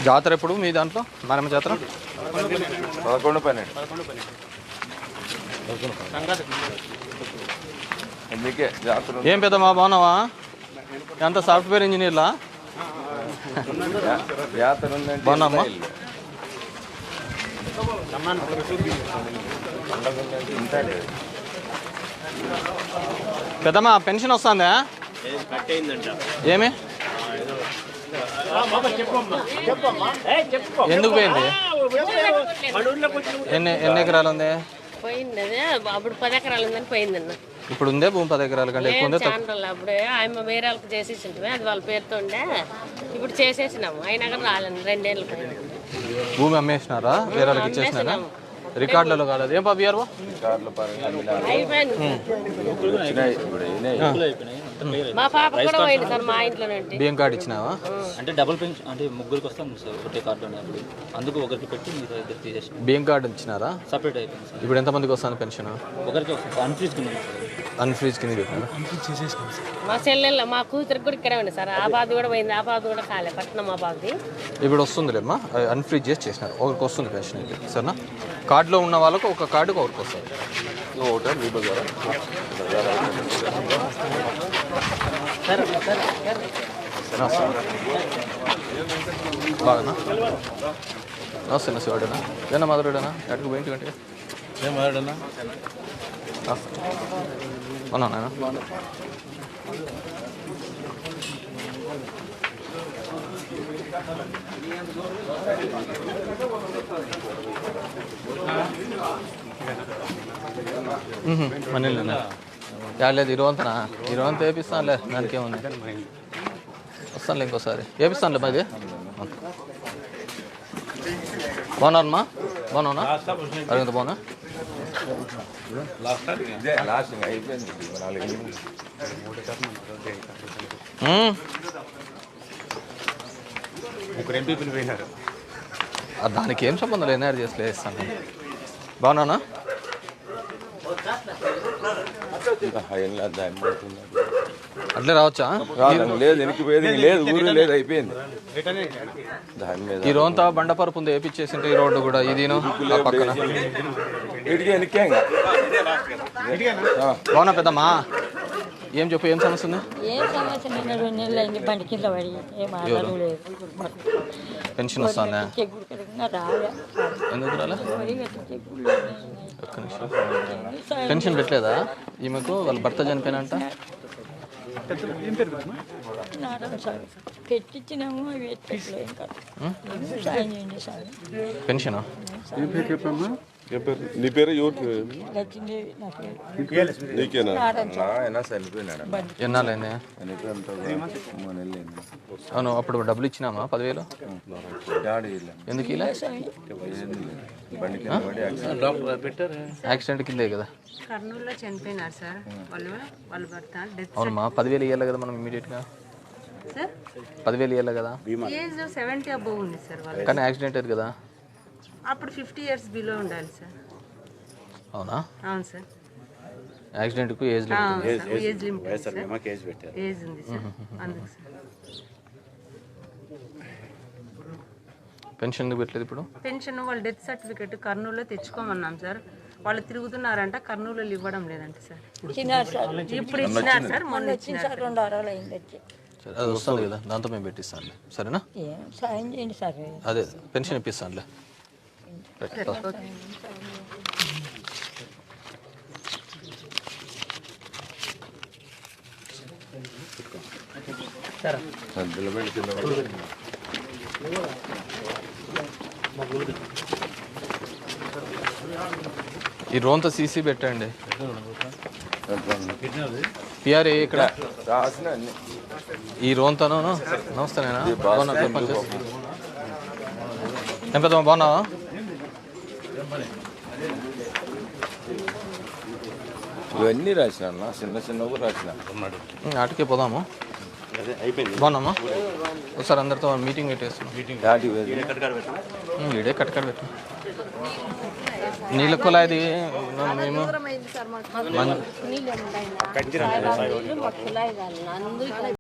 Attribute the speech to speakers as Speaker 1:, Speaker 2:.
Speaker 1: జాతర ఎప్పుడు మీ దాంట్లో మారమ్మ జాతర?
Speaker 2: 11-12
Speaker 1: ఏం పెద్దమ్మా బాగున్నావా? ఎంత సాఫ్ట్వేర్ ఇంజనీర్లా? బాగున్నామ్మా. పెద్దమ్మా పెన్షన్ వస్తుందా? ఏమి ఎందుకు పోయింది? ఎన్ని ఎకరాలు ఉంది?
Speaker 3: పోయింది అదే అప్పుడు 10 ఎకరాలు ఉందని పోయిందన్న.
Speaker 1: ఇప్పుడు ఉందే భూమి 10 ఎకరాల కంటే ఎక్కువ ఉంది.
Speaker 3: అప్పుడే ఆయన వేరే వాళ్ళకి చేసేసింటే అది వాళ్ళ పేరుతో ఉండే, ఇప్పుడు చేసేసినాము. అయినా కానీ రాలేదు, 2 ఏళ్ళు పోయింది.
Speaker 1: భూమి అమ్మేసినారా? వేరే వాళ్ళకి ఇచ్చేసినారా? రికార్డులలో కాలేదు ఏం పాపియారు?
Speaker 3: మా పాప కూడా పోయింది సార్, మా ఇంట్లో
Speaker 1: బియ్యం కార్డు ఇచ్చినావా?
Speaker 4: అంటే డబుల్ పెన్షన్ అంటే ముగ్గురికి వస్తాను సార్ ఒకటే కార్డు అప్పుడు, అందుకు ఒకరికి పెట్టి మీరు ఇద్దరు తీసేసి
Speaker 1: బియ్యం కార్డు ఇచ్చినారా?
Speaker 4: సపరేట్ అయిపోయింది సార్.
Speaker 1: ఇప్పుడు ఎంతమందికి వస్తాను పెన్షన్?
Speaker 4: ఒకరికి వస్తుంది అన్ఫ్రీజ్ కింద సార్.
Speaker 1: అన్ఫ్రీజ్ కింద పెట్టినారా?
Speaker 3: మా చెల్లెళ్ళ మా కూతురికి కూడా ఇక్కడే ఉంది సార్. ఆ బాధ కూడా పోయింది, ఆ బాధ కూడా కాలే పట్నం మా బాధది.
Speaker 1: ఇప్పుడు వస్తుందిలేమ్మా, అన్ఫ్రీజ్ చేసి చేసినారు. ఒకరికి వస్తుంది పెన్షన్ అయితే సరేనా? కార్డులో ఉన్న వాళ్ళకు ఒక కార్డుకు ఒకరికి వస్తుంది. బాగా వస్తున్నా శివాడేనా? ఏనా మాధుడేనా? ఎక్కడికి పోయింటి గంటే ఏం మాధుడేనా? అవునా నాయన? మనీలేనా? లేదు ఇరవంతనా? ఇరవంత వేపిస్తానులే, దానికి ఏముంది. వస్తానులే ఇంకోసారి వేపిస్తానులే. బాగా బాగున్నారమ్మా? బాగున్నావునా? అరవింత బాగున్నా? దానికి ఏం సంబంధం లేదు, ఎన్ఆర్ చేసి వేస్తాను. బాగున్నానా? అట్లే రావచ్చా?
Speaker 2: లేదు, వెనక్కి పోయేది లేదు, ఊరు లేదు, అయిపోయింది.
Speaker 1: ఈ రోంతా బండపరుపు ఉంది, వేపించేసింటే ఈ రోడ్డు కూడా ఇదిను పక్కన. బాగున్నా పెద్దమ్మా? ఏం చెప్పు, ఏం సమస్య ఉంది?
Speaker 5: బండి కింద పడి
Speaker 1: పెన్షన్ వస్తుందా? ఎందుకు రాలే? ఒక్క నిమిషం. పెన్షన్ పెట్టలేదా ఈమెకు? వాళ్ళ భర్త చనిపోయినంట.
Speaker 5: పెట్టించినాము,
Speaker 1: పెన్షన్
Speaker 2: నీ పేరు నీకేనా?
Speaker 1: ఎన్నాళ్ళైంది? అవును, అప్పుడు డబ్బులు ఇచ్చినామా 10,000? ఎందుకు ఇలా? యాక్సిడెంట్ కిందే కదా?
Speaker 3: కర్నూలులో చనిపోయినారు సార్ వాళ్ళ భర్త.
Speaker 1: అవునమ్మా, 10,000 ఇవ్వాలి కదా మనం ఇమీడియట్గా. 10,000 ఇవ్వాలి కదా?
Speaker 3: ఏజ్ 70 అబోవ్ ఉంది సార్ వాళ్ళు.
Speaker 1: కానీ యాక్సిడెంట్ అయ్యింది కదా?
Speaker 3: అప్పుడు 50 years బిలో ఉండాలి సార్.
Speaker 1: అవునా?
Speaker 3: అవును సార్.
Speaker 1: యాక్సిడెంట్కు age limit,
Speaker 3: age limit age ఉంది సార్, అందుకు సార్.
Speaker 1: పెన్షన్ ఎందుకు పెట్టలేదు ఇప్పుడు?
Speaker 3: పెన్షన్ వాళ్ళ డెత్ సర్టిఫికెట్ కర్నూలులో తెచ్చుకోమన్నాం సార్. వాళ్ళు తిరుగుతున్నారంట, కర్నూలులో ఇవ్వడం లేదంట సార్. ఇప్పుడు ఇచ్చినారు సార్, మొన్న ఇచ్చినారు.
Speaker 5: 2 వారాలు అయింది వచ్చి.
Speaker 1: అది వస్తుంది కదా, దాంతో మేము పెట్టిస్తానులే. సరేనా?
Speaker 5: సాయం చేయండి సార్.
Speaker 1: అదే పెన్షన్ ఇప్పిస్తానులే. ఈ రోంత సీసీ పెట్టండి. పిఆర్ఏ ఇక్కడ ఈ రోంతను. నమస్తే నేనా? ఏం పెద్దమ్మా బాగున్నావా?
Speaker 2: ఇవన్నీ రాసిన చిన్న చిన్న రాసిన.
Speaker 1: ఆటకే పోదాము. బాగున్నామా? ఒకసారి అందరితో మీటింగ్ పెట్టేస్తున్నాం. ఇడే కట్టకాడ పెట్టు. నీళ్ళ కులాయిది మేము